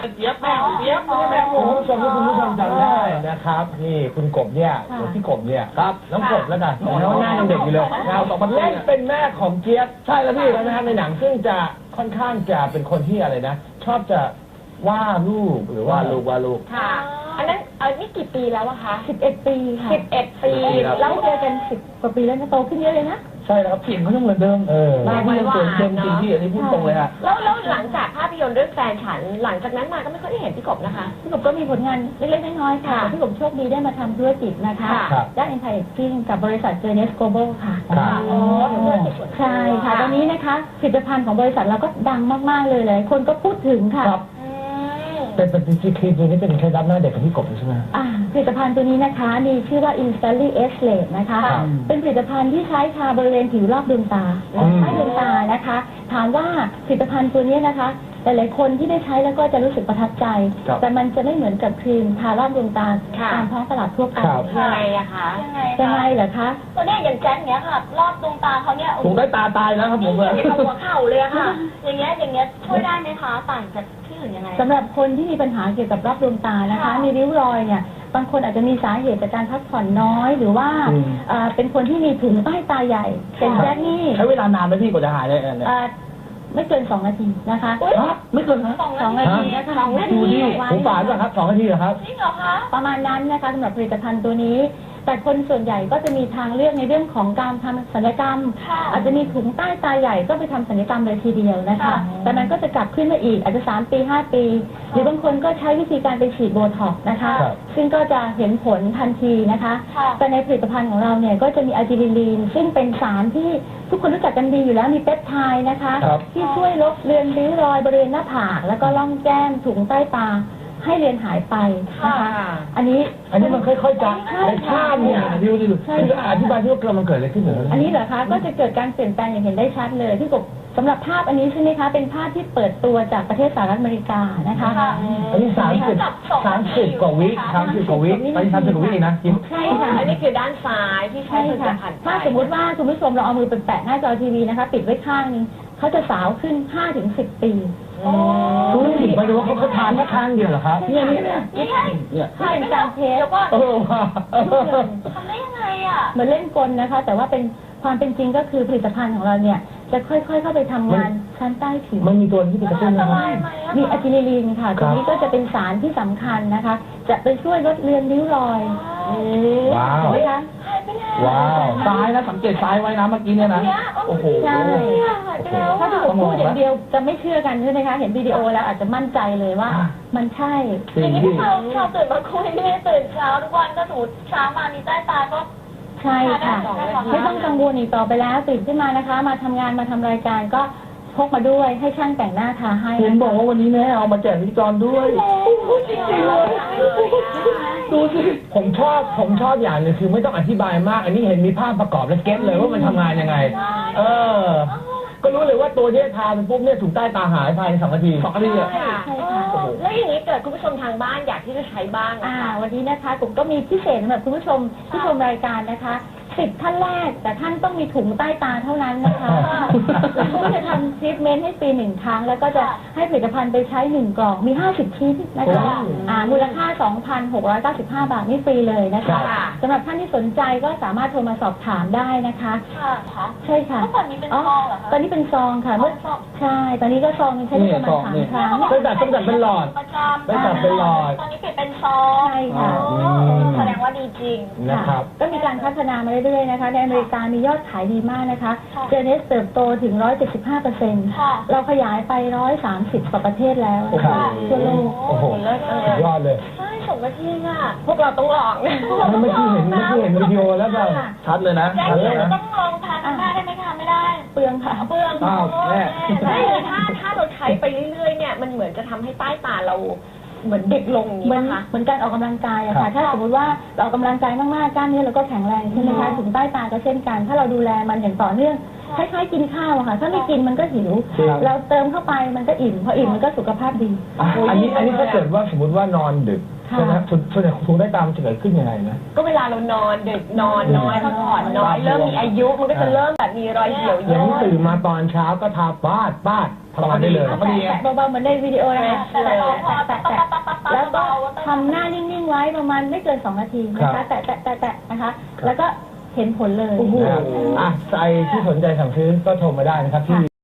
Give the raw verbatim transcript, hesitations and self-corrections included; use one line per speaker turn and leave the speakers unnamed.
เจี๊ยบแม่ของเจี๊ยบไม่ใช่แม่หมู
คุณผู้ชมที่คุณผู้ชมจำได้นะครับนี่คุณกบเนี่ยหรือพี่กบเนี่ยครับน้องกบแล้วกันน้องหน้ายังเด็กอยู่เลยเราสองคนเล่นเป็นแม่ของเจี๊ยบใช่แล้วพี่นะครับในหนังซึ่งจะค่อนข้างจะเป็นคนที่อะไรนะ ชอบจะว่าลูกหรือว่าลูกว่าลูก
ค่ะ อันนั้นเออนี่กี่ปีแล้วอะคะ
สิบเอ็ดปีค่ะ
สิบเอ็ดปี
แล้วเจอกันสิบกว่าปีแล้วนะโตขึ้นเยอะเลยนะ
ใช่แล้วครับเสียงเขายังเหมือนเดิมเออ
หน้าที่ยังสวยเต็มจริงที่อันนี้พูดตรงเลยฮะ
แล้วแล้วหลังจากภาพยนตร์เรื่องแฟนฉัน หลังจากนั้นมาก็ไม่ค่อยได้เห็นพี่กบนะคะ
พี่กบก็มีผลงานเล็กๆน้อยๆค่ะ
ค่ะ
พี่กบโชคดีได้มาทำธุรกิจนะคะ
ค่ะ
ด้าน Anti Aging กับบริษัท Journeys Global ค่ะ
ครับ
อ๋อธุรกิจส่วนตัว
ใช่ค่ะตอนนี้นะคะผลิตภัณฑ์ของบริษัทเราก็ดังมากๆเลยเลยคนก็พูดถึงค่ะ
ครับ
อืม
เป็นเป็นจริงๆครีมตัวนี้เป็นเคล็ดลับหน้าเด็กของพี่กบใช่ไหม
อ่าผลิตภัณฑ์ตัวนี้นะคะมีชื่อว่า Instantly Age Late นะคะ
ครับ
เป็นผลิตภัณฑ์ที่ใช้ทาบริเวณผิวรอบดวงตา
อืม
ใต้ดวงตานะคะ ถามว่าผลิตภัณฑ์ตัวนี้นะคะหลายๆคนที่ได้ใช้แล้วก็จะรู้สึกประทับใจ
ครับ
แต่มันจะไม่เหมือนกับครีมทารอบดวงตา
ค่ะ
ตามท้องตลาดทั่วไป
ครับ
ยังไงอะคะ
ยังไง
ยังไง
คะ
เหรอคะ
ตัวเนี้ยอย่างแจ็คเนี้ยค่ะ รอบดวงตาเขาเนี่ย
ผมได้ตาตายแล้วครับผม
นี่เป็นหัวเข่าเลยอะค่ะ อย่างเงี้ยอย่างเงี้ยช่วยได้ไหมคะต่างจากที่อื่นยังไง
สำหรับคนที่มีปัญหาเกี่ยวกับรอบดวงตานะคะ
ค่ะ
มีริ้วรอยเนี่ยบางคนอาจจะมีสาเหตุจากการพักผ่อนน้อย หรือว่า
อืม
เอ่อเป็นคนที่มีถุงใต้ตาใหญ่เป็นแจ็คนี่
ใช้เวลานานไหมพี่กว่าจะหายได้เนี่ย
เอ่อไม่เกินสองนาทีนะคะ
ฮะไม่เกินนะ
สอง
สอง
นา
นา
ที
ทีนะคะ
สองนาที
ดูดิผมฝานก่อนครับสองนาทีเหรอครับ
จริงเหรอคะ
ประมาณนั้นนะคะสำหรับผลิตภัณฑ์ตัวนี้ แต่คนส่วนใหญ่ก็จะมีทางเลือกในเรื่องของการทำศัลยกรรม
ค่ะ
อาจจะมีถุงใต้ตาใหญ่ก็ไปทำศัลยกรรมเลยทีเดียวนะคะ
ค่ะ
แต่มันก็จะกลับขึ้นมาอีกอาจจะสามปีห้าปี หรือบางคนก็ใช้วิธีการไปฉีดโบท็อกซ์นะคะ
ครับ
ซึ่งก็จะเห็นผลทันทีนะคะ
ค่ะ
แต่ในผลิตภัณฑ์ของเราเนี่ยก็จะมีอะจิลิลีนซึ่งเป็นสารที่ทุกคนรู้จักกันดีอยู่แล้วมีเปปไทด์นะคะ
ครับ
ที่ช่วยลบเลือนริ้วรอยบริเวณหน้าผากแล้วก็ร่องแก้มถุงใต้ตาให้เลือนหายไปนะคะ อันนี้
อันนี้มันค่อยๆจะในภาพเนี่ยดูดิคืออธิบายที่ว่าเกิดมันเกิดอะไรขึ้นเหรอ
อันนี้เหรอคะก็จะเกิดการเปลี่ยนแปลงอย่างเห็นได้ชัดเลยที่กบสำหรับภาพอันนี้ใช่ไหมคะเป็นภาพที่เปิดตัวจากประเทศสหรัฐอเมริกานะคะ
ค่ะ
อันนี้สามสิบสามสิบกว่าวิสามสิบกว่าวิไปสามสิบกว่าวิเองนะจิ๊บ
ใช่ค่ะ
อันนี้คือด้านซ้ายที่ใช้
ใช่
ผลิต
ค่ะ
ภัณฑ์ไป
ถ้าสมมุติว่าคุณผู้ชมเราเอามือไปแปะหน้าจอทีวีนะคะ ปิดไว้ข้างนึงเขาจะสาวขึ้น ห้าถึงสิบ ปี
รู้สึกไปดูว่าเขาเขาทานแค่ข้างเดียวเหรอครับเนี่ยเนี่ยเนี่ย
นี่ไง
เนี่ย
ถ้าเป็นการเทส
แล้วก็
เออว่ะเออ
ทำได้ยังไงอ่ะ
เหมือนเล่นกลนะคะ แต่ว่าเป็นความเป็นจริงก็คือผลิตภัณฑ์ของเราเนี่ยจะค่อยๆเข้าไปทำงานชั้นใต้ผิว
มันมีตัวที่เป็นกระตุ้นนะครับ
มีอะจิลิลีนค่ะ
ค
ตั
รั
ว
บ
นี้ก็จะเป็นสารที่สำคัญนะคะ จะไปช่วยลดเลือนริ้วรอย
ว้าว
เห็นไหมคะ
หายไปแล้ว
ว้าว
ซ้ายนะสังเกตซ้ายไว้นะเมื่อกี้เนี่ยนะ
เนี่ย
โอ้โห
ใช่
เนี่ยหายไปแล้ว
ถ้า
อะ
ที่ผมพูดอย่างเดียวจะไม่เชื่อกันใช่ไหมคะ เห็นวิดีโอแล้วอาจจะมั่นใจเลยว่า มันใช่
จริ
อย่าง งนี้
พี่
ที่เราเราตื่นมาคุยเนี่ยตื่นเช้าทุกวันก็สมมติเช้ามามีใต้ตาก็
ใช่ค่ะ
ใช่ค่ะ
ไม่ต้องกังวลอีกต่อไปแล้วตื่นขึ้นมานะคะ มาทำงานมาทำรายการก็พกมาด้วยให้ช่างแต่งหน้าทาให้
เห็นบอกว่าวันนี้แม่เอามาแจกพิธีกรด้วย
จริงๆเลย
ดูสิ
ผมชอบผมชอบอย่างหนึงคือไม่ต้องอธิบายมาก อันนี้เห็นมีภาพประกอบและเก็ตเลยว่ามันทำงานยังไง เออ ก็รู้เลยว่าตัวเนี้ยทาไปปุ๊บเนี่ยถุงใต้ตาหายภายในสองนาทีสองนาทีอะ
ค่ะ
ใช่ค่ะ
โอ้โหแล้วอย่างนี้เกิดคุณผู้ชมทางบ้านอยากที่จะใช้บ้างนะ
อ่า
คะ
วันนี้นะคะผมก็มีพิเศษสำหรับคุณผู้ชมที่ชมรายการนะคะสิบท่านแรก แต่ท่านต้องมีถุงใต้ตาเท่านั้นนะคะเราก็จะทำทรีทเมนต์ให้ฟรีหนึ่งครั้ง แล้วก็จะให้ผลิตภัณฑ์ไปใช้หนึ่งกล่องมีห้าสิบชิ้นนะคะอ่ามูลค่า สองพันหกร้อยเก้าสิบห้า บาทนี่ฟรีเลยนะคะ
ค่ะ
สำหรับท่านที่สนใจก็สามารถโทรมาสอบถามได้นะคะ
ค่ะค่ะ
ใช่ค่ะ
เมื่อก่อนนี้เป็นซองเหรอคะ
ตอนนี้เป็นซองค่ะเมื่อ
ซอง
ใช่ ตอนนี้ก็ซองใช้ได้ประมาณสามครั้ง
ตั้งแต่ตั้งแต่เป็นหลอด
ประจำ
ตั้งแต่เป็นหลอด
ตอนนี้เปลี่ยนเป็นซอง
ใช่ค่ะ
อ๋อแสดงว่าดีจริง
นะครับ
ก็มีการพัฒนามาเรื่อยๆนะคะ ในอเมริกามียอดขายดีมากนะคะ
ค่ะ
เจเนสเติบโตถึง หนึ่งร้อยเจ็ดสิบห้าเปอร์เซ็นต์
ค่ะ
เราขยายไป หนึ่งร้อยสามสิบ กว่าประเทศแล้ว
โอ้โห
นะคะทั่วโลก
โอ้โหสุดยอดเลย
ใช่สองนาทีอ่ะ
พวกเราต้องลอง
เมื่อกี้เห็นเมื่อกี้เห็นวิดีโอแล้วแบบ
ชัดเลยนะ
แจ็ค
ชัดเล
เดี๋ย
ยว นะ
ต้องลองทานหน้าได้ไหมคะไม่ได้
เปลืองค่ะ
เปลือง
อ้าวแม่
แล้วอย่างนี้ถ้าถ้าเราใช้ไปเรื่อยๆเนี่ยมันเหมือนจะทำให้ใต้ตาเราเหมือนเด็กลงอย่าง
เหมื
นี้
อน
นะคะ
เหมือนการออกกำลังกายอะ
ครั
ค่ะ
บ
ถ้าสมมติว่าเราออกกำลังกายมากๆกล้ามเนื้อเราก็แข็งแรงใช่ไหมคะถึงใต้ตาก็เช่นกัน ถ้าเราดูแลมันอย่างต่อเนื่องคล้ายๆกินข้าวอะค่ะ ถ้าไม่กินมันก็หิว
ครับ
เราเติมเข้าไปมันก็อิ่มพออิ่มมันก็สุขภาพดี
อ่ะอันนี้อันนี้ถ้าเกิดว่าสมมติว่านอนดึก
ค่ะ
ใช่ไหมส่วนส่วนใหญ่ถุงใต้ตามันจะเกิดขึ้นยังไงนะ
ก็เวลาเรานอนดึกนอนน้อยพักผ่อนน้อยเริ่มมีอายุมันก็จะเริ่มแบบมีรอยเหี่ยว
อย่า
ย่
ง
น
นี้ตื่นมาตอนเช้าก็ทาปาดปาดทำงานได้เลย
แตะแตะเบาๆเหมือนในวิดีโอนะคะแตะแตะแตะแตะแล้วก็ทำหน้านิ่งๆไว้ประมาณไม่เกินสองนาทีนะคะแตะแตะแตะแตะนะคะ แล้วก็เห็นผลเลย
นะครับอ่ะใครที่สนใจสั่งซื้อก็โทรมาได้นะครับที่